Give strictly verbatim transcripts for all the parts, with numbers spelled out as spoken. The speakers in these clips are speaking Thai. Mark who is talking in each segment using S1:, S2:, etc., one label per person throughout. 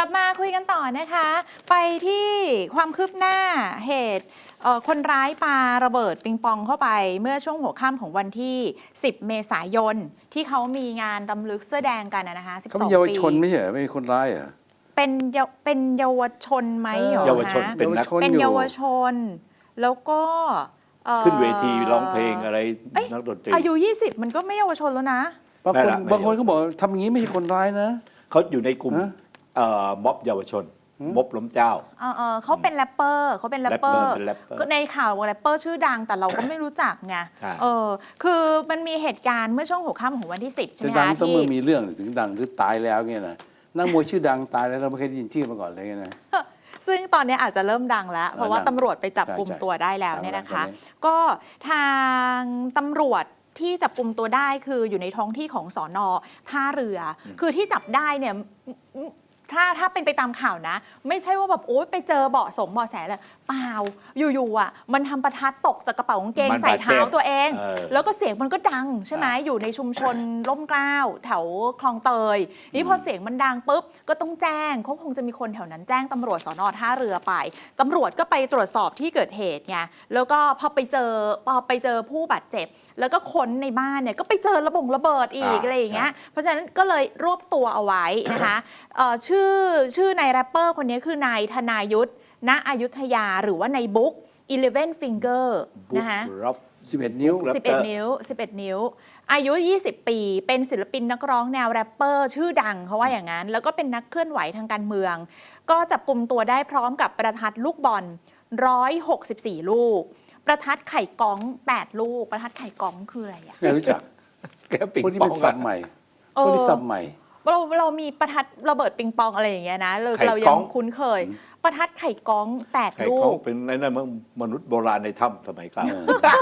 S1: ลับมาคุยกันต่อนะคะไปที่ความคืบหน้าเหตุคนร้ายปาระเบิดปิงปองเข้าไปเมื่อช่วงหัวค่ำของวันที่สิบเมษายนที่เขามีงานรำลึกเสื้อแดงกันนะคะสิบสองปีเขาเป็น
S2: เยาวชนไม่ใช่ไม่ใช่คนร้ายเหรอ
S1: เป็นเป็นเยาวชนไหมเหรอ
S3: เยาวชนเป็นนัก
S1: เป็นเยาวชนแล้วก็
S3: ขึ้นเวทีร้องเพลงอะไรนักดนตรี
S1: อายุยี่สิบมันก็ไม่เยาวชนแล้วนะ
S2: บางคนบางคนเขาบอกทำอย่างนี้ไม่ใช่คนร้ายนะ
S3: เขาอยู่ในกลุ่มม็อบเยาวชนม็อบล้มเจ้า
S1: เออเขาเป็นแรปเปอร์เขาเป็นแรปเปอร์ก็ในข่าวว่าแรปเปอร์ชื่อดังแต่เราก็ไม่รู้จักไงเออคือมันมีเหตุการณ์เมื่อช่วงหัวค่ำของวันที่สิบใช่ไหมคะ
S2: ที่มีเรื่องถึงดังหรือตายแล้วเงี้ยนะนักมวยชื่อดังตายแล้วเราไม่เคยได้ยินชื่อมาก่อนเลยนะ
S1: ซึ่งตอนนี้อาจจะเริ่มดังแล้วเพราะว่าตำรวจไปจับกลุ่มตัวได้แล้วเนี่ยนะคะก็ทางตำรวจที่จับกลุ่มตัวได้คืออยู่ในท้องที่ของสน.ท่าเรือคือที่จับได้เนี่ยถ้าถ้าเป็นไปตามข่าวนะไม่ใช่ว่าแบบโอ๊ยไปเจอเบาะสมเบาะแสเลยเปล่าอยู่ๆอ่ะมันทำประทัดตกจากกระเป๋ากางเกงใส่เท้าตัวเองแล้วก็เสียงมันก็ดังใช่ไหมอยู่ในชุมชนร่มเกล้าแถวคลองเตยนี่พอเสียงมันดังปุ๊บก็ต้องแจ้งเขาคงจะมีคนแถวนั้นแจ้งตำรวจสน.ท่าเรือไปตำรวจก็ไปตรวจสอบที่เกิดเหตุไงแล้วก็พอไปเจอพอไปเจอผู้บาดเจ็บแล้วก็ค้นในบ้านเนี่ยก็ไปเจอระบงระเบิดอีกอะไรอย่างเงี้ยเพราะฉะนั้นก็เลยรวบตัวเอาไว้นะคะชื่อชื่อนายแรปเปอร์คนนี้คือนายธนายุทธณอยุธยาหรือว่านายบุ๊กeleven finger นะคะ
S2: สิบเอ็ดนิ้ว
S1: สิบเอ็ดนิ้วสิบเอ็ดนิ้วอายุยี่สิบปีเป็นศิลปินนักร้องแนวแรปเปอร์ชื่อดังเขาว่าอย่างนั้นแล้วก็เป็นนักเคลื่อนไหวทางการเมืองก็จับกุมตัวได้พร้อมกับประทัดลูกบอลหนึ่งร้อยหกสิบสี่ลูกประทัดไข่ก้องแปดลูกประทัดไข่ก้องคืออะไรอ่ะ
S2: ไม่รู้จัก
S3: แกปิง
S2: ปองคนที่เป็นสับใหม่คนที่สับใหม่
S1: เราเรามีประทัดระเบิดปิงปองอะไรอย่างเงี้ยนะเราเรายังคุ้นเคยประทัดไข่ก้องแปดลูก
S3: เป็นในนั้นมนุษย์โบราณในถ้ำสมัยก่อน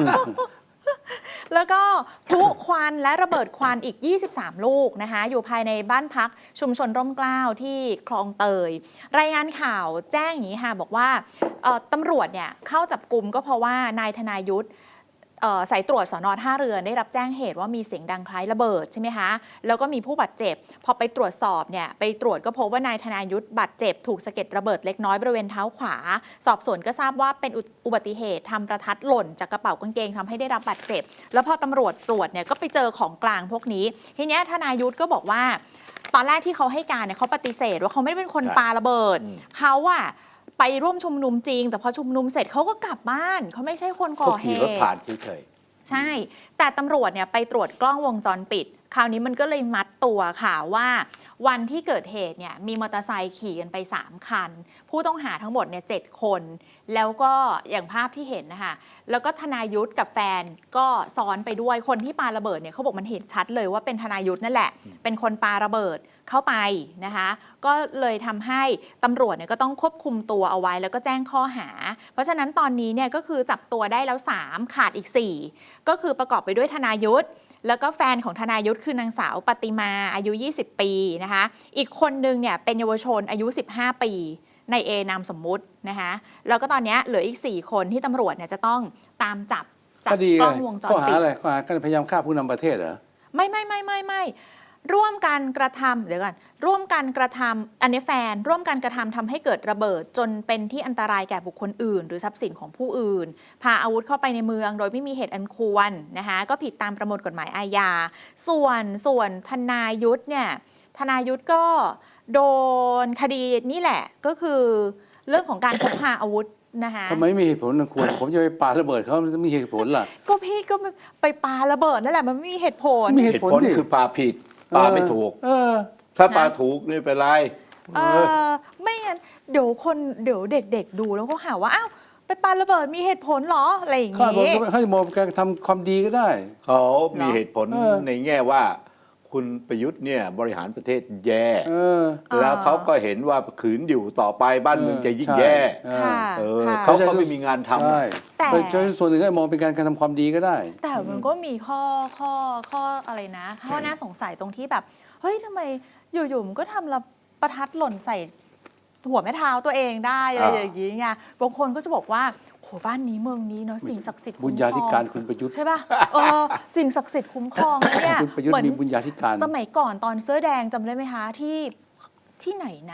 S1: แล้วก็พลุควันและระเบิดควันอีกยี่สิบสามลูกนะคะอยู่ภายในบ้านพักชุมชนร่มเกล้าที่คลองเตยรายงานข่าวแจ้งอย่างนี้ค่ะบอกว่าตำรวจเนี่ยเข้าจับกุมก็เพราะว่านายธนายุทธสายตรวจสน.ท่าเรือได้รับแจ้งเหตุว่ามีเสียงดังคล้ายระเบิดใช่ไหมคะแล้วก็มีผู้บาดเจ็บพอไปตรวจสอบเนี่ยไปตรวจก็พบว่านายธนายุทธบาดเจ็บถูกสะเก็ดระเบิดเล็กน้อยบริเวณเท้าขวาสอบสวนก็ทราบว่าเป็นอุบัติเหตุทำประทัดหล่นจากกระเป๋ากางเกงทำให้ได้รับบาดเจ็บแล้วพอตำรวจตรวจเนี่ยก็ไปเจอของกลางพวกนี้ทีนี้ธนายุทธก็บอกว่าตอนแรกที่เขาให้การเนี่ยเขาปฏิเสธว่าเขาไม่ได้เป็นคนปาระเบิดเขาอะไปร่วมชุมนุมจริงแต่พอชุมนุมเสร็จเขาก็กลับบ้านเขาไม่ใช่คนก่อเหตุ
S3: ขี่รถผ่านเฉย
S1: ใช่แต่ตำรวจเนี่ยไปตรวจกล้องวงจรปิดคราวนี้มันก็เลยมัดตัวค่ะว่าวันที่เกิดเหตุเนี่ยมีมอเตอร์ไซค์ขี่กันไปสามคันผู้ต้องหาทั้งหมดเนี่ยเจ็ดคนแล้วก็อย่างภาพที่เห็นนะคะแล้วก็ธนายุทธกับแฟนก็ซ้อนไปด้วยคนที่ปาระเบิดเนี่ยเขาบอกมันเห็นชัดเลยว่าเป็นธนายุทธนั่นแหละเป็นคนปาระเบิดเข้าไปนะคะก็เลยทำให้ตำรวจเนี่ยก็ต้องควบคุมตัวเอาไว้แล้วก็แจ้งข้อหาเพราะฉะนั้นตอนนี้เนี่ยก็คือจับตัวได้แล้วสามขาดอีกสี่ก็คือประกอบไปด้วยธนายุทธแล้วก็แฟนของธนายุทธคือนางสาวปฏิมาอายุยี่สิบปีนะคะอีกคนนึงเนี่ยเป็นเยาวชนอายุสิบห้าปีในเอนามสมมุตินะคะแล้วก็ตอนนี้เหลืออีกสี่คนที่ตำรวจเนี่ยจะต้องตามจับจากกล้องวงจรปิด
S2: ข้อหาอะไรข้อหาการพยายามฆ่าผู้นำประเทศเหรอ
S1: ไม่ไม่ไม่ไม่ไม่ร่วมกันกระทำเดี๋ยวก่อนร่วมกันกระทำอันนี้แฟนร่วมกันกระทำทำให้เกิดระเบิดจนเป็นที่อันตรายแก่บุคคลอื่นหรือทรัพย์สินของผู้อื่นพาอาวุธเข้าไปในเมืองโดยไม่มีเหตุอันควรนะคะก็ผิดตามประมวลกฎหมายอาญาส่วนส่วนธนายุทธเนี่ยธนายุทธก็โดนคดีนี่แหละก็คือเรื่องของการพกพาอาวุธนะคะ
S2: ทำไมไม่มีเหตุผลอันควรผมจะไปปาระเบิดเขาจะมีเหตุผลล่ะ
S1: ก็พี่ก็ไปปาระเบิดนั่นแหละมันไม่มีเหตุผล
S3: มีเหตุผลคือปาผิดปาไม่ถูกถ้าปาถูกนี่เป็นไร
S1: เออไม่งั้นเดี๋ยวคนเดี๋ยวเด็กๆดูแล้วก็หาว่าอ้าวไปปาระเบิดมีเหตุผลหรออะไรอย่างเงี้ย
S2: เขาจะมองการทำความดีก็ได้
S3: เขามีเหตุผลในแง่ว่าคุณประยุทธ์เนี่ยบริหารประเทศแย่แล้วเขาก็เห็นว่าขืนอยู่ต่อไปบ้านเมืองจะยิ่งแย่เขาก็ไม่มีงานทำ
S2: แต่ส่วนหนึ่งก็มองเป็นการการทำความดีก็ได้
S1: แต่มันก็มีข้อข้อข้ออะไรนะข้อน่าสงสัยตรงที่แบบเฮ้ยทำไมอยู่ๆมันก็ทำระประทัดหล่นใส่หัวแม่เท้าตัวเองได้อะไรอย่างนี้ไงบางคนก็จะบอกว่าโหบ้านนี้เมืองนี้เนาะสิ่งศักดิ์สิทธิ์
S2: บุญญาธิการคุณประยุทธ์
S1: ใช่ป่ะเออสิ่งศักดิ์สิทธิ์คุ้มครองเนี่ย
S2: เหมือนมีบุญญาธิการ
S1: สมัยก่อนตอนเสื้อแดงจำได้ไหมคะที่ที่ไหนนะ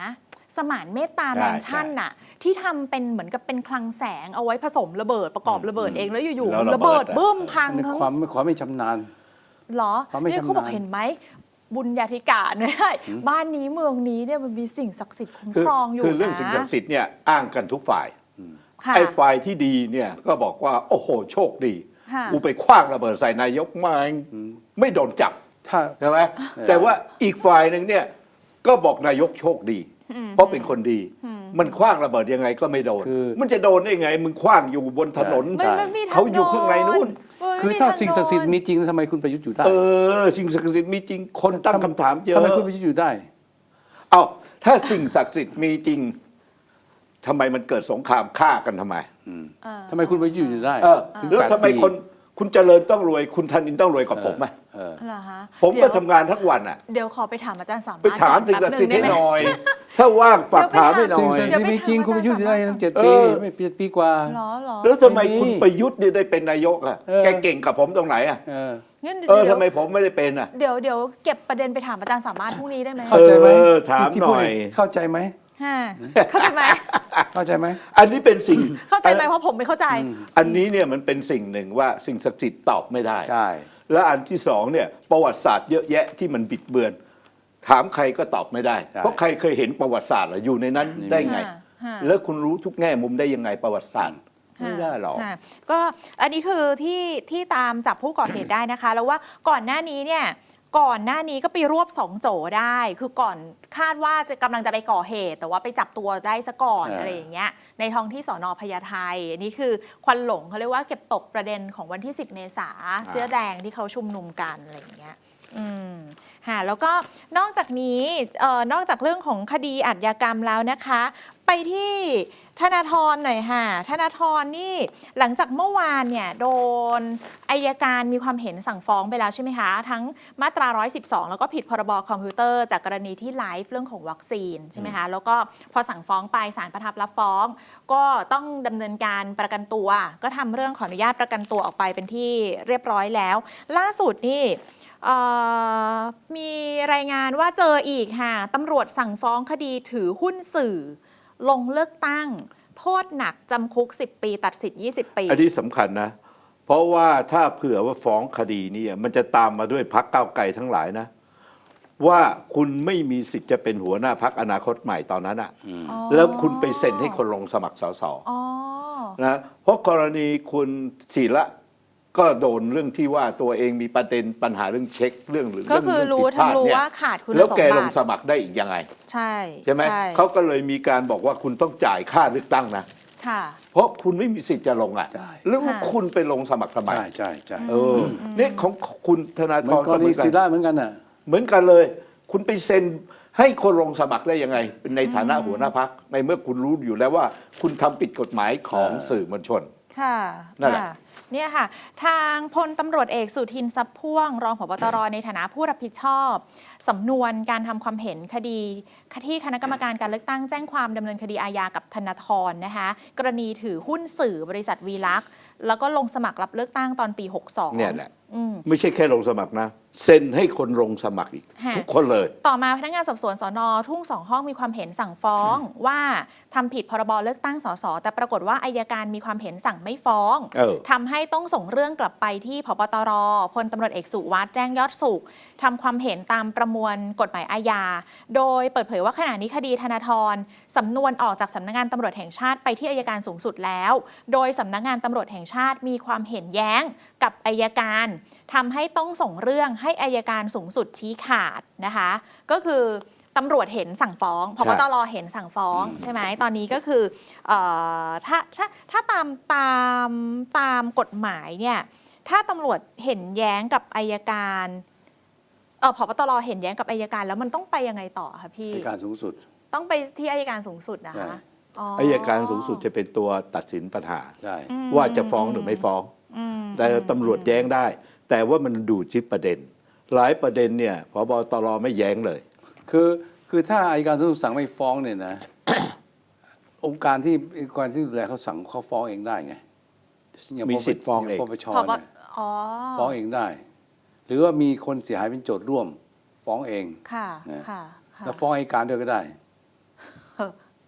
S1: สมานเมตตา
S3: ใช่
S1: แมนชั่นน่ะที่ทำเป็นเหมือนกับเป็นคลังแสงเอาไว้ผสมระเบิดประกอบระเบิดเองแล้วอยู่
S3: แล้ว
S1: ๆระเบิด
S3: ระเบิดอะ
S1: บึ้มพัง
S2: ใน
S1: ทั้ง
S2: ความความไม่ชำนาญ
S1: เหรอ
S2: ความไม่
S1: เนี่ยเขาบอก
S2: ชำนาญ
S1: เห็นไหมบุญญาธิการเนี่ยบ้านนี้เมืองนี้เนี่ยมันมีสิ่งศักดิ์สิทธิ์คุ้ม
S3: คือ
S1: ครองอยู่
S3: คือเรื่อง
S1: นะ
S3: สิ่งศักดิ์สิทธิ์เนี่ยอ้างกันทุกฝ่าย
S1: ค่ะ
S3: ไอ้ฝ่ายที่ดีเนี่ยก็บอกว่าโอ้โหโชคดี
S1: ค่ะ
S3: กูไปคว้างระเบิดใส่นายกมาไม่โดนจับ
S2: ถ้า
S3: ใช่ไหมแต่ว่าอีกฝ่ายหนึ่งเนี่ยก็บอกนายกโชคดี เพราะเป็นคนดี มันคว้างระเบิดยังไงก็ไม่โดน
S2: คือ
S3: มันจะโดนได้ไง มึงคว้างอยู่บนถนน
S1: ไม่ไม่มีทาง
S3: เขาอยู่ข้างในนู่น
S1: โดย
S2: คือ
S1: ไม่มี
S2: ถ้า
S1: ท
S2: สิ่งศักดิ์สิทธิ์
S1: โดน
S2: มีจริงทำไมคุณประยุทธ์อยู่ได้
S3: เออสิ่งศักดิ์สิทธิ์มีจริงคนตั้งคำถามเยอะ
S2: ทำไมคุณประยุทธ์อยู่ได้
S3: เอาถ้าสิ่งศักดิ์สิทธิ์มีจริงทำไมมันเกิดสงครามฆ่ากันทำไม
S1: เออ
S2: ทำไมคุณประยุทธ์อยู่ได้
S3: เออ
S2: ถึง
S3: แล้ว
S2: แปด
S3: ทำไม
S2: ปี
S3: คนคุณเจริญต้องรวย คุณธนินต้องรวยกว่าผมไหม
S2: เออ
S1: เหรอฮะ
S3: ผม
S1: เดี๋
S3: ก็
S1: ยว
S3: ทำงานทั้งวันอ่ะ
S1: เดี๋ยวขอไปถามอาจารย์สามารถ
S3: ไปถาม
S1: ก่
S3: สิ่ง
S1: อน
S3: ศักดิ์สิทธิ์ให้
S1: แป๊บ
S3: ห
S1: ง
S3: น่อย ถ้าว่างฝากถามให้หน่
S2: สิ่ง
S3: อย
S2: ศักดิ์สิทธิ์มีจริงคุณประยุทธ์อยู่ได้ตั้งเจ็ดปี
S3: เออ
S2: ไม่เจ็ดปีกว่า
S1: เหรอเหรอ
S3: แล้วทำไม
S2: ไม่มี
S3: คุณประยุทธ์เนี่ยได้เป็นนายกอ่ะ
S2: เออ
S3: แกเก่งกับผมตรงไหนอ่ะ
S2: เออ
S1: งั้น
S3: เออ
S1: เดี๋ยว
S3: ทำไมผมไม่ได้เป็นอ่ะ
S1: เดี๋ยวเดี๋ยวเก็บประเด็นไปถามอาจารย์สามารถพรุ่งนี้ได้ไหม
S2: เข้าใจไหม
S3: เออถาม
S2: ที่พูด
S3: หน่อย
S2: เข้าใจไหม
S1: ฮะเข้าใจไหม
S2: เข้าใจไหม
S3: อันนี้เป็นสิ่ง
S1: เข้าใจไหมเพราะผมไม่เข้าใจ
S3: อันนี้เนี่ยมันเป็นสิ่งหนึ่งว่าสิ่งศักดิ์สิทธิ์ตอบไม่ได้
S2: ใช่
S3: และอันที่สองเนี่ยประวัติศาสตร์เยอะแยะที่มันบิดเบือน ถามใครก็ตอบไม่ได้ เพราะใครเคยเห็นประวัติศาสตร์เหรออยู่ในนั้นได้ไง
S1: ฮะฮะ
S3: แล้วคุณรู้ทุกแง่มุมได้ยังไงประวัติศาสตร์ไม่ได้หรอก
S1: ค่ะก็อันนี้คือที่ที่ตามจับผู้ก่อเหตุได้นะคะ แล้วว่าก่อนหน้านี้เนี่ยก่อนหน้านี้ก็ไปรวบสองโจได้ คือก่อนคาดว่าจะกำลังจะไปก่อเหตุ แต่ว่าไปจับตัวได้ซะก่อน
S2: เอออ
S1: อะไรอย่างเงี้ยในท้องที่สอนอพญาไทอันนี้คือควันหลงเขาเรียกว่าเก็บตกประเด็นของวันที่สิบเมษาเสื้อแดงที่เขาชุมนุมกันอะไรอย่างเงี้ยอืมค่ะแล้วก็นอกจากนี้เอ่อนอกจากเรื่องของคดีอาชญากรรมแล้วนะคะ ไปที่ธนาธรหน่อยค่ะธนาธรนี่หลังจากเมื่อวานเนี่ยโดนอัยการมีความเห็นสั่งฟ้องไปแล้วใช่ไหมคะ ทั้งมาตราหนึ่งร้อยสิบสองแล้วก็ผิดพรบคอมพิวเตอร์จากกรณีที่ไลฟ์เรื่องของวัคซีนใช่ไหมคะแล้วก็พอสั่งฟ้องไปศาลประทับรับฟ้อง ก็ต้องดำเนินการประกันตัว ก็ทำเรื่องขออนุญาตประกันตัวออกไปเป็นที่เรียบร้อยแล้ว ล่าสุดนี่เอ่อมีรายงานว่าเจออีกค่ะตำรวจสั่งฟ้องคดีถือหุ้นสื่อ ลงเลือกตั้ง โทษหนักจำคุกสิบปีตัดสิทธิ์ยี่สิบปี
S3: อันนี้สำคัญนะ เพราะว่าถ้าเผื่อว่าฟ้องคดีนี้มันจะตามมาด้วยพักก้าวไกลทั้งหลายนะ ว่าคุณไม่มีสิทธิ์จะเป็นหัวหน้าพักอนาคตใหม่ตอนนั้นอะ
S1: อ๋อ
S3: แล้วคุณไปเซ็นให้คนลงสมัครสส
S1: อ๋อ
S3: นะเพราะกรณีคุณศิระก็โดนเรื่องที่ว่าตัวเองมีประเด็นปัญหาเรื่องเช็คเรื่องหรือ
S1: ก็คือ
S3: เง
S1: รู้
S3: ผิดพล
S1: ทั้ง
S3: ด
S1: รู้
S3: เนี่ย
S1: ว่าขาดคุณ
S3: แล้ว
S1: สม
S3: แกล
S1: บั
S3: ง
S1: ติ
S3: สมัครได้อีกยังไง
S1: ใช่
S3: ใช่ไหมเขาก็เลยมีการบอกว่าคุณต้องจ่ายค่าเลือกตั้งนะ
S1: ค่ะ
S3: เพราะคุณไม่มีสิทธิ์จะลงอ่ะ
S2: ใช่
S3: แล้ว
S1: ค่ะ
S3: คุณไปลงสมัครทำไม
S2: ใช่ใช่ใช่
S3: เออนี่ของคุณธนา
S2: เห
S3: ธ
S2: มือน
S3: ร
S2: ก
S3: ก็
S2: ร
S3: เห
S2: ณี
S3: มือนกั
S2: ศิ
S3: น
S2: ระเหมือนกันน่ะ
S3: เหมือนกันเลย คุณไปเซ็นให้คนลงสมัครได้ยังไงในฐานะหัวหน้าพักในเมื่อคุณรู้อยู่แล้วว่า คุณทำผิดกฎหมายของ
S2: เออ
S3: สื่อมวลชน
S1: ค่ะ
S3: นั่นแหละ
S1: ค่ะเนี่ยค่ะ ทางพลตำรวจเอกสุทินทรัพย์พ่วง รองผบตร ในฐานะผู้รับผิดชอบสำนวนการทำความเห็นคดีที่คณะกรรมการการเลือกตั้งแจ้งความดำเนินคดีอาญากับธนาธรนะคะกรณีถือหุ้นสื่อบริษัทวีลักษณ์แล้วก็ลงสมัครรับเลือกตั้งตอนปีหกสอง
S3: เนี่ยแหละ
S1: อืม
S3: ไม่ใช่แค่ลงสมัครนะ เซ็นให้คนลงสมัครอีก
S1: ฮะ
S3: ทุกคนเลย
S1: ต่อมาพนักงานสอบสวนสนทุ่งสองห้องมีความเห็นสั่งฟ้องว่าทำผิดพรบเลือกตั้งสสแต่ปรากฏว่าอัยการมีความเห็นสั่งไม่ฟ้อง
S3: เออ
S1: ทำให้ต้องส่งเรื่องกลับไปที่พบตรพลตำรวจเอกสุวัสด์แจ้งยอดสุขทำความเห็นตามประมวลกฎหมายอาญาโดยเปิดเผยว่าขณะนี้คดีธนาธรสำนวนออกจากสำนักงานตำรวจแห่งชาติไปที่อัยการสูงสุดแล้ว โดยสำนักงานตำรวจแห่งชาติมีความเห็นแย้งกับอัยการทำให้ต้องส่งเรื่องให้อัยการสูงสุดชี้ขาดนะคะก็คือตำรวจเห็นสั่งฟ้องพบตรเห็นสั่งฟ้องใช่ไหมตอนนี้ก็คือเออถ้าถ้าถ้าตามตามตามกฎหมายเนี่ยถ้าตำรวจเห็นแย้งกับอัยการเออพบตรเห็นแย้งกับอัยการแล้วมันต้องไปยังไงต่อคะพี่
S2: ในการสูงสุด
S1: ต้องไปที่อัยการสูงสุดนะ
S2: ใช่
S1: คะอ๋อ
S3: อัยการสูงสุดจะเป็นตัวตัดสินปัญหา
S2: ใช่
S1: อืม
S3: ว่าจะฟ้องหรือไม่ฟ้อง
S1: อืม
S3: แต่ตำรวจแย้งได้ แต่ว่ามันดูที่ประเด็น หลายประเด็นเนี่ยพบตรไม่แย้งเลย
S2: คือคือถ้าอัยการสูงสุดสั่งไม่ฟ้องเนี่ยนะ องค์การที่องค์การที่ดูแลเขาสั่งเขาฟ้องเองได้ไงย่า
S3: มีสิทธิ์ฟ้องเอง
S2: ปปช
S1: พบ
S2: เนี่ย
S1: อ๋อ
S2: ฟ้องเองได้ หรือว่ามีคนเสียหายเป็นโจทย์ร่วม ฟ้องเอง
S1: ค่ะ
S2: นะ
S1: ค่ะค่ะ
S2: แล้วฟ้องอัยการด้วยก็ได้
S1: เออ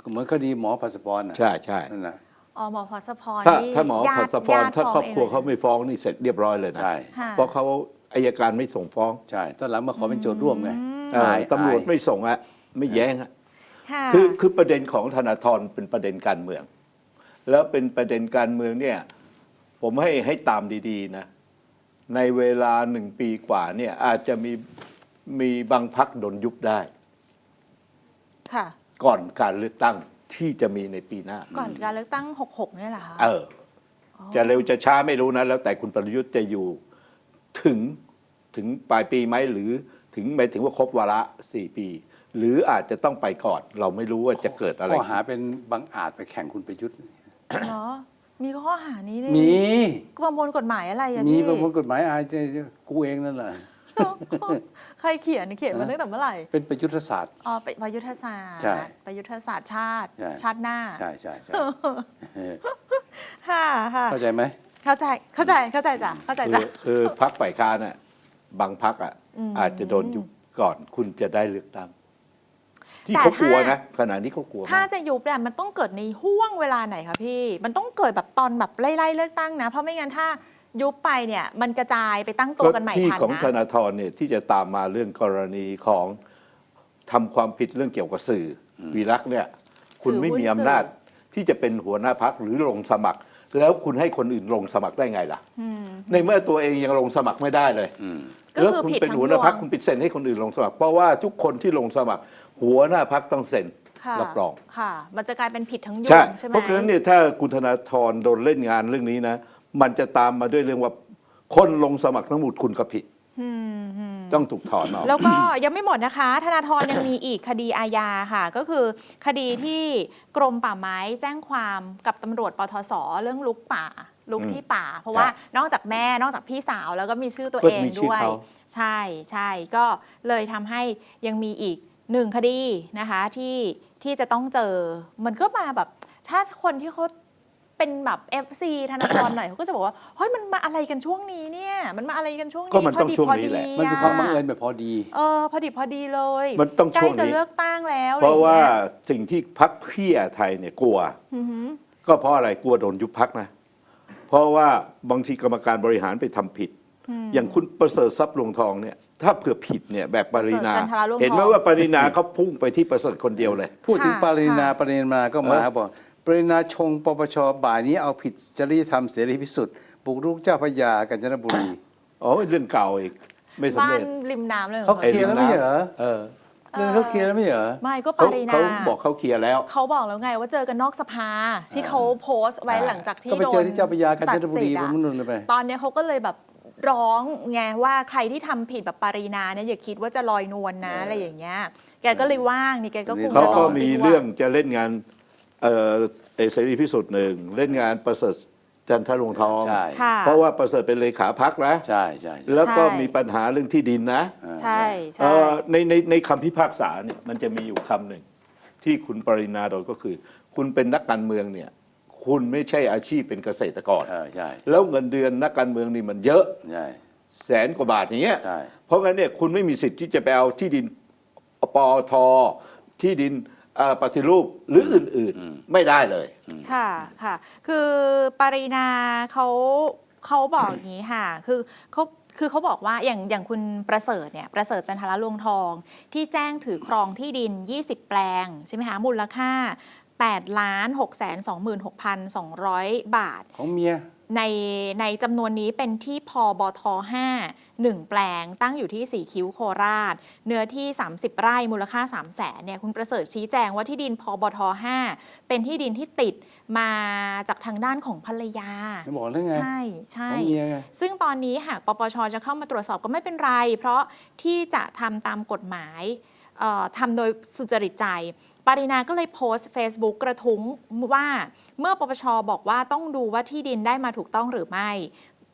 S2: เหมือนคดีหมอพาสปอร์ตน่ะ
S3: ใช่ใช่
S2: นั่นน่ะ
S1: อ๋อหมอพาสปอร์ต
S3: ถ้า
S1: นี่
S3: ถ้าหมอ
S1: ญา
S3: พา
S1: ติ
S3: สปอร์ต
S1: ญาติ
S3: ถ้าครอบครัว
S1: ฟ้
S3: เขา
S1: ง
S3: ไม่ฟ้องนี่เสร็จเรียบร้อยเลยนะ
S2: ใช่
S1: ค่ะ
S3: เพราะเขาอัยการไม่ส่งฟ้อง
S2: ใช่ตอนหลังมาขอเป็นโจทย์ร่วมไง
S3: เอ่อ
S2: อาย
S3: ตำรวจ
S2: อาย
S3: ไม่ส่งอะไม่แย้งอะ
S1: ค่ะ
S3: คือคือประเด็นของธนาธรเป็นประเด็นการเมือง แล้วเป็นประเด็นการเมืองเนี่ยผมให้ให้ตามดีๆนะในเวลาหนึ่งปีกว่าเนี่ยอาจจะมีมีบางพักโดนยุบได้
S1: ค่ะ
S3: ก่อนการเลือกตั้งที่จะมีในปีหน้า
S1: ก่อนการเลือกตั้งหกหกเนี่ยเหรอคะ
S3: เออ จะเร็วจะช้าไม่รู้นะ แล้วแต่คุณประยุทธ์จะอยู่ถึงถึงปลายปีไหมหรือถึงหมายถึงว่าครบวาระสี่ปี หรืออาจจะต้องไปก่อน เราไม่รู้ว่าจะเกิดอะไร
S2: ข้อหาเป็นบังอาจไปแข่งคุณประยุทธ์
S1: เนาะมีข้อหานี้นี่
S2: มี
S1: ประมวลกฎหมายอะไรอะ
S2: มี
S1: พี่
S2: ประมวลกฎหมายอาญากูเองนั่นแหละ
S1: ใครเขียนเขียนมาตั้งแต่เมื่อไหร่
S2: เป็นประยุทธศาสตร์
S1: อ๋อประยุทธศาสตร์
S2: ใช่
S1: ประยุทธศาสตร์ชาติ
S2: ใช่
S1: ชาติหน้า
S2: ใช่ใช่ใช่เออ
S1: ค่ะค่ะ
S2: เข้าใจไหม
S1: เข้าใจเข้าใจเข้าใจจ้ะเข้าใจ
S3: คื
S1: จ้ะ
S3: อคือพักฝ่ายค้านน่ะบางพักอ่ะ
S1: อืม
S3: อาจจะโดนยุบก่อนคุณจะได้เลือกตั้ง ที่
S1: แต่
S3: เขากลัว
S1: ถ้า
S3: นะขณะนี้เขากลัว
S1: ถ้าม
S3: าก
S1: จะยุบเนี่ยมันต้องเกิดในห่วงเวลาไหนคะพี่ มันต้องเกิดแบบตอนแบบไล่ๆเลือกตั้งนะ เพราะไม่งั้นถ้ายุบไปเนี่ยมันกระจายไปตั้งตัวกันใหม่
S3: ที่
S1: ทัน
S3: ของธ
S1: นะ
S3: นาธรเนี่ยที่จะตามมาเรื่องกรณีของทำความผิดเรื่องเกี่ยวกับสื่ออวีรักษ์เนี่ย คุณไม่มีอำนาจที่จะเป็นหัวหน้าพักหรือลงสมัคร แล้วคุณให้คนอื่นลงสมัครได้ไงล่ะ
S1: อืม
S3: ในเมื่อตัวเองยังลงสมัครไม่ได้เลย
S2: อืม
S1: ก็
S3: แล้ว
S1: คือ
S3: คุณ
S1: ผิด
S3: เป็น
S1: ทั้ง
S3: หัวหน้าพัก
S1: ยวง
S3: คุณปิดเซ็นให้คนอื่นลงสมัคร เพราะว่าทุกคนที่ลงสมัคร หัวหน้าพักต้องเซ็น
S1: ค่ะ
S3: รับรอง
S1: ค่ะ มันจะกลายเป็นผิดทั้งยว
S3: ใช่
S1: งใช่ไหม
S3: เพราะฉะนั้นเนี่ยถ้าคุณธนาธรโดนเล่นงานเรื่องนี้นะ มันจะตามมาด้วยเรื่องว่าคนลงสมัครทั้งหมดคุณก็ผิด
S1: อืมอืม
S3: ต้องถูกถอนออก
S1: แล้วก็ยังไม่หมดนะคะ ธนาธรยังมีอีกคดีอาญาค่ะ ก็คือคดีที่กรมป่าไม้แจ้งความกับตำรวจปทศเรื่องลุกป่า ลุก
S3: อืม
S1: ที่ป่า เพราะว่า
S3: ครับ
S1: นอกจากแม่นอกจากพี่สาวแล้วก็มีชื่อตัว
S3: ก็
S1: เอง
S3: มีชื่อ
S1: ด้วย
S3: เขา
S1: ใช่ใช่ก็เลยทำให้ยังมีอีกหนึ่งคดีนะคะที่ที่จะต้องเจอ มันก็มาแบบถ้าคนที่เขาเป็นแบบ เอฟ ซี ธนาธรหน่อยเขาก็จะบอกว่าเฮ้ยมันมาอะไรกันช่วงนี้เนี่ยมันมาอะไรกันช่วงนี้
S3: ก็มันต้อง
S1: พดี
S3: ช่วง
S1: พอ
S3: นี้
S1: ดี
S3: แหละ
S2: มันเป็นความบังเอิญแบบพอดี
S1: เออพอดีพอดีเลย
S3: มันต้อง
S1: ใกล้
S3: ช่วง
S1: จะ
S3: นี้
S1: เลือกตั้งแล้ว
S3: เพราะว่า
S1: อไอย่งงี้ย
S3: สิ่งที่พักเพื่อไทยเนี่ยกลัว
S1: อือหือ
S3: ก็เพราะอะไรกลัวโดนยุบพักนะ เพราะว่าบางทีกรรมการบริหารไปทำผิด อย่างคุณประเสริฐทรัพย์ลวงทองเนี่ยถ้าเผื่อผิดเนี่ยแบบปรินา
S1: ประเสริฐจันทราลวงทอง
S3: เห็นไหมว่าปรินาเขาพุ่งไปที่ประเสริฐคนเดียวเลย
S2: พูดถึง
S1: ค่ะ
S2: ปรินา
S1: ค่ะ
S2: ปรินาก็มา
S3: เออ
S2: บอกปรินาชงปปชบ่ายนี้เอาผิดจริยธรรมเสรีพิสุทธิ์บุกรุกเจ้าพระยากาญจนบุรี
S3: อ๋อเรื่องเก่าอีกไม่สำ
S1: บ้า
S3: เร็
S1: น
S3: จ
S1: ริมน้ำเลยหรอ
S2: เขา
S1: คะ
S2: เคลียร์แล้วไม่เหรอ
S3: เออ
S2: เรื่องเขาเคลียร์แล้วไม่เหรอ
S1: ไม่ก็ป
S3: เขา
S1: รินา
S3: เขาบอกเขาเคลียร์แล้ว
S1: เขาบอกแล้วไงว่าเจอกันนอกสภาที่เขาโพสต์ไว้หลังจากที่
S2: ก็ไป
S1: โด
S2: เจอน ที่เจ้าพระยากาญจนบุรี
S1: ตัดสิทธิ์
S2: บ
S1: อะ
S2: นนู่นเลยไป
S1: ตอนเนี้ยเขาก็เลยแบบร้องไงว่าใครที่ทำผิดแบบปารีนาเนี่ยอย่าคิดว่าจะลอยนวลนะ
S2: เอออ
S1: อะไรอย่างเงี้ย แกก็เลยว่างนี่แกก็คง
S3: เขา
S1: จะร
S3: ก็
S1: อ
S3: มี
S1: ดีว่า
S3: เรื่องจะเล่นงานเอ่อเอ่อเสรีพิสุทธิ์หนึ่งเล่นงานประเสริฐจันทร์ลวงทอง
S2: ใช่
S1: ค่ะ
S3: เพราะว่าประเสริฐเป็นเลขาพักนะ
S2: ใช่ใช่ใช่
S3: แล้วก็
S1: ใช่
S3: มีปัญหาเรื่องที่ดินนะ
S1: ใช่
S3: เอ่
S1: ใช่
S3: อในในในคำพิพากษาเนี่ยมันจะมีอยู่คำหนึ่งที่คุณปรินาโดนก็คือ คุณเป็นนักการเมืองเนี่ยคุณไม่ใช่อาชีพเป็นเกษตรกร
S2: เออใช่
S3: แล้วเงินเดือนนักการเมืองนี่มันเยอะ
S2: ใช่
S3: แสนกว่าบาทอย่างเงี้ย
S2: ใช่
S3: เพราะงั้นเนี่ยคุณไม่มีสิทธิ์ที่จะไปเอาที่ดินปอทที่ดินเอ่อปฏิรูปหรืออื่นๆไม่ได้เลย
S1: ค่ะค่ะ คือปารีนาเขาเขาบอกอย่างนี้ค่ะ คือเขาคือเขาบอกว่าอย่างอย่างคุณประเสริฐเนี่ยประเสริฐจันทรลวงทอง ที่แจ้งถือครองที่ดิน ยี่สิบ แปลงใช่ไหมคะมูลค่า แปดล้านหกแสนสองหมื่นหกพันสองร้อย บาท
S2: ของเมีย
S1: ในในจำนวนนี้เป็นที่พบทห้า หนึ่ง แปลงตั้งอยู่ที่สี่คิ้วโคราช เนื้อที่ สามสิบ ไร่มูลค่า สามแสนเนี่ยคุณประเสริฐชี้แจงว่าที่ดินพบทห้าเป็นที่ดินที่ติดมาจากทางด้านของภรรยา
S2: ไม่บอกได้ไง
S1: ใช่ใช่
S2: ของเมียไง
S1: ซึ่งตอนนี้หากปปชจะเข้ามาตรวจสอบก็ไม่เป็นไร เพราะที่จะทำตามกฎหมายเอ่อทำโดยสุจริตใจ ปารีนาก็เลยโพสต์ Facebook กระทุ้งว่าเมื่อปปชบอกว่าต้องดูว่าที่ดินได้มาถูกต้องหรือไม่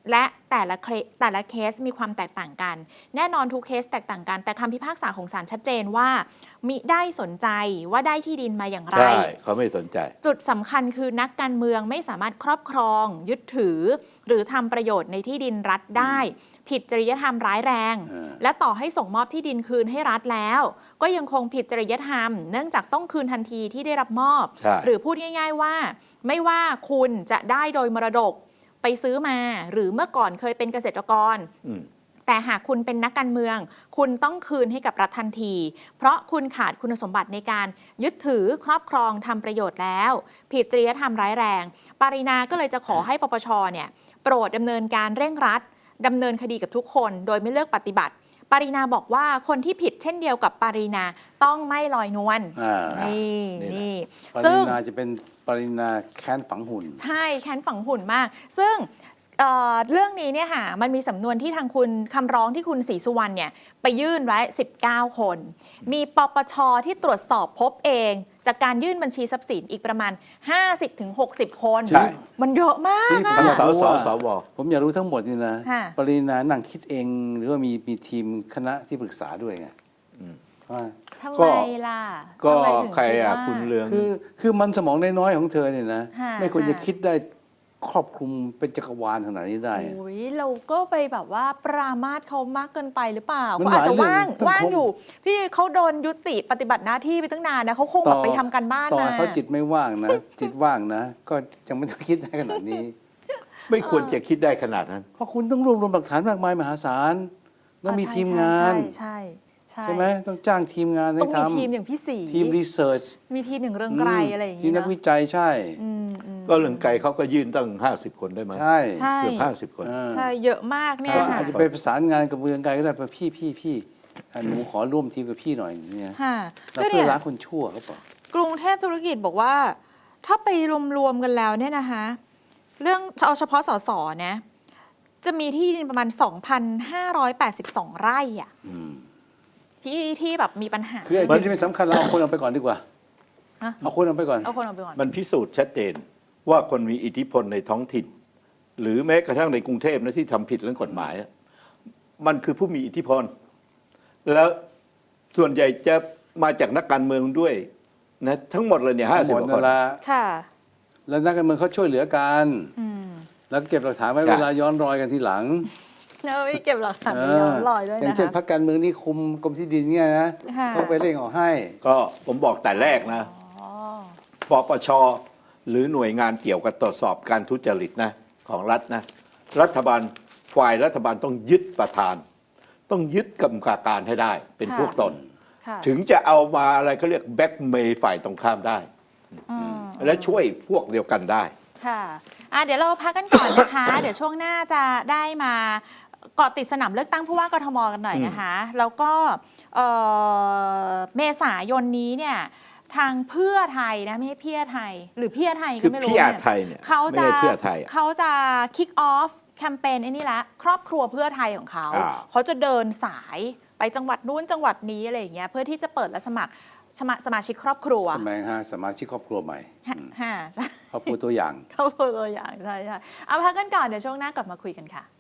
S1: และแต่ละเคสแต่ละเคสมีความแตกต่างกัน แน่นอนทุกเคสแตกต่างกัน แต่คำพิพากษาของศาลชัดเจนว่ามิได้สนใจว่าได้ที่ดินมาอย่างไร
S3: ใช่เขาไม่สนใจ
S1: จุดสำคัญคือนักการเมืองไม่สามารถครอบครอง ยึดถือ หรือทำประโยชน์ในที่ดินรัฐได้ ผิดจริยธรรมร้ายแรง
S2: เออ
S1: และต่อให้ส่งมอบที่ดินคืนให้รัฐแล้ว ก็ยังคงผิดจริยธรรม เนื่องจากต้องคืนทันทีที่ได้รับมอบ
S3: ใช่
S1: หรือพูดง่าย ๆว่า ไม่ว่าคุณจะได้โดยมรดกไปซื้อมา หรือเมื่อก่อนเคยเป็นเกษตรกร
S3: อืม
S1: แต่หากคุณเป็นนักการเมือง คุณต้องคืนให้กับรัฐทันที เพราะคุณขาดคุณสมบัติในการยึดถือครอบครองทำประโยชน์แล้ว ผิดจริยธรรมร้ายแรง ปารินาก็เลยจะขอให้ปปชเนี่ยโปรดดำเนินการเร่งรัดดำเนินคดีกับทุกคนโดยไม่เลือกปฏิบัติ ปารินาบอกว่าคนที่ผิดเช่นเดียวกับปารินาต้องไม่ลอยนวล
S2: อ่า
S1: นี่
S3: นี่แหละ
S1: นี่
S2: ปริ
S1: ซึ่ง
S2: นาจะเป็นปรินาแค้นฝังหุ่น
S1: ใช่แค้นฝังหุ่นมาก ซึ่งเอ่อเรื่องนี้เนี่ยค่ะมันมีสำนวนที่ทางคุณคำร้องที่คุณศรีสุวรรณเนี่ยไปยื่นไว้ สิบเก้า คน มีปปชที่ตรวจสอบพบเอง จากการยื่นบัญชีทรัพย์สินอีกประมาณ ห้าสิบถึงหกสิบ คน
S3: ใช่
S1: มันเยอะมาก
S2: นี่
S1: อะ
S2: ผมอยาก
S3: ส
S2: รู้
S3: ส
S2: ว่า
S3: สว
S2: ผมอยากรู้ทั้งหมดนี่นะ
S1: ค่ะ
S2: ปรินานั่งคิดเอง หรือว่ามีมีทีมคณะที่ปรึกษาด้วยไงว่า
S1: ทำ
S3: ก็
S1: ไมล่ะ
S3: ก็
S1: ทำไมถึง
S3: ใครอ่ะ
S1: ดว่า
S3: คุณเรือง
S2: คือคือมันสมองน้อยๆของเธอเนี่ยนะ
S1: ค่ะ
S2: ไม่ควรจะ
S1: ค่ะ
S2: คิดได้ครอบคลุมเป็นจักรวาลขนาดนี้ได้
S1: โอ้ยเราก็ไปแบบว่าปรามาสเขามากเกินไปหรือเปล่า
S2: มัน
S1: เขาอาจจะ
S2: หลายเรื่อง
S1: ว่าง
S2: ต้อง
S1: ว่าง
S2: ครบ
S1: อยู่ พี่เขาโดนยุติปฏิบัติหน้าที่ไปตั้งนานนะเขาคงแบบไปทำการบ้าน
S2: ต่อ
S1: มา
S2: ให้เขาจิตไม่ว่างนะ จิตว่างนะ ก็ยังไม่ต้องคิดได้ขนาดนี้
S3: ไม่ควรจะคิดได้ขนาดนั้น
S2: เพราะคุณต้องรวบรวมหลักฐานมากมายมหาศาลต้องมี
S1: อ่าใช่
S2: ทีมงาน
S1: ใช่ใช่
S2: ใช่ไหมต้องจ้างทีมงาน
S1: ต้
S2: ให้
S1: องมี
S2: ทำ
S1: ทีมอย่างพี่สี
S2: ทีมรีเสิร์ช
S1: มีทีมอย่างเรืองไกรอะไรอย่าง
S2: ที
S1: งี้
S2: มนัก
S1: เนาะ
S2: วิจัยใช่
S1: อืมอืม
S3: ก็เรื่องไกลเขาก็ยื่นตั้งห้าสิบคนได้ไหม
S2: ใช่
S1: ใช่
S3: เกือบห้าสิบคน
S2: เออ
S1: ใช่เยอะมากเนี่ย
S2: ก็
S1: ค่ะ
S2: อาจจะไปประสานงานกับเมืองไกลก็ได้ไปพี่พี่พี่อ่ะหนูขอร่วมทีมกับพี่หน่อยเนี่ย
S1: ค่ะ
S2: แล้ว
S1: ก็
S2: เพื่
S1: เนี่
S2: อย ล้างคนชั่วเขาบอก
S1: กรุงเทพธุรกิจบอกว่า ถ้าไปรวมๆกันแล้วเนี่ยนะคะ เรื่องเอาเฉพาะสสนะจะมีที่ดินประมาณ สองพันห้าร้อยแปดสิบสอง ไร่อะ
S2: อืม
S1: ที่ที่แบบมีปัญหา
S2: คือไอ้ที่ที่ไม่สำคัญเราเอาคนเอาไปก่อนดีกว่า
S1: ฮะ
S2: เอาคนเอาไปก่อน
S1: เอาคนเอาไปก่อน
S3: มันพิสูจน์ชัดเจนว่าคนมีอิทธิพลในท้องถิ่น หรือแม้กระทั่งในกรุงเทพนะที่ทำผิดเรื่องกฎหมายอะมันคือผู้มีอิทธิพล แล้วส่วนใหญ่จะมาจากนักการเมืองด้วยนะทั้งหมดเลยเนี่ยห้าสิบ
S2: หม
S3: ก
S2: ด
S3: ว่าค
S2: นั่
S3: น
S2: นละ
S1: ค่ะ
S2: แล้วนักการเมืองเขาช่วยเหลือกัน
S1: อืม
S2: แล้วเก็บหลักฐานไว้
S3: ใช่
S2: เวลาย้อนรอยกันทีหลัง
S1: แล้วไม่เก็บหลักฐาน
S2: เอ
S1: ไปย้อนรอยด้วย
S2: อย่าง
S1: นะ
S2: เช่นพร
S1: คะ
S2: รคการเมืองนี่คุมกรมที่ดินเนี่ยนะ
S1: ค่ะ
S2: เขาไปเร่งออกให้
S3: ก็ผมบอกแต่แรกนะ
S1: อ๋อ
S3: ปปชหรือหน่วยงานเกี่ยวกับตรวจสอบการทุจริตนะของรัฐนะรัฐบาลฝ่ายรัฐบาลต้องยึดประธาน ต้องยึดกรรมการให้ได้เป็น
S1: ค่ะ
S3: พวกตน
S1: ค่ะ
S3: ถึงจะเอามาอะไรเขาเรียกแบ็กเมย์ฝ่ายตรงข้ามได้
S1: อืม
S3: และช่วยพวกเดียวกันได้
S1: ค่ะอ่ะ เดี๋ยวเราพักกันก่อนนะคะ เดี๋ยวช่วงหน้าจะได้มาเกาะติดสนามเลือกตั้งผู้ว่ากทมกันหน่อยนะคะ แล้วก็เอ่อเมษายนนี้เนี่ยทางเพื่อไทยนะไม่ใช่เพี่อไทย หรือเพี่อไทย
S3: คื
S1: ก็
S3: อ
S1: ไม่รู้
S3: พี่อา
S1: เนี่ย
S3: ไทยเนี่ย
S1: เขา
S3: ไม่
S1: จะ
S3: ใช่เพื่อไทยอะ
S1: เขาจะ kick off แคมเปญไอ้นี่ละครอบครัวเพื่อไทยของเขา
S3: อ่า
S1: เขาจะเดินสายไปจังหวัดนู้นจังหวัดนี้อะไรอย่างเงี้ยเพื่อที่จะเปิดและสมัครสมาสมาชิกครอบครัว
S2: สมัยฮะสมาชิกครอบครัวใหม่
S1: ฮะฮะใช่
S2: ครอบครัวตัวอย่าง
S1: ครอบครัวตัวอย่างใช่ใช่เอาพักกันก่อนเดี๋ยวช่วงหน้ากลับมาคุยกันค่ะ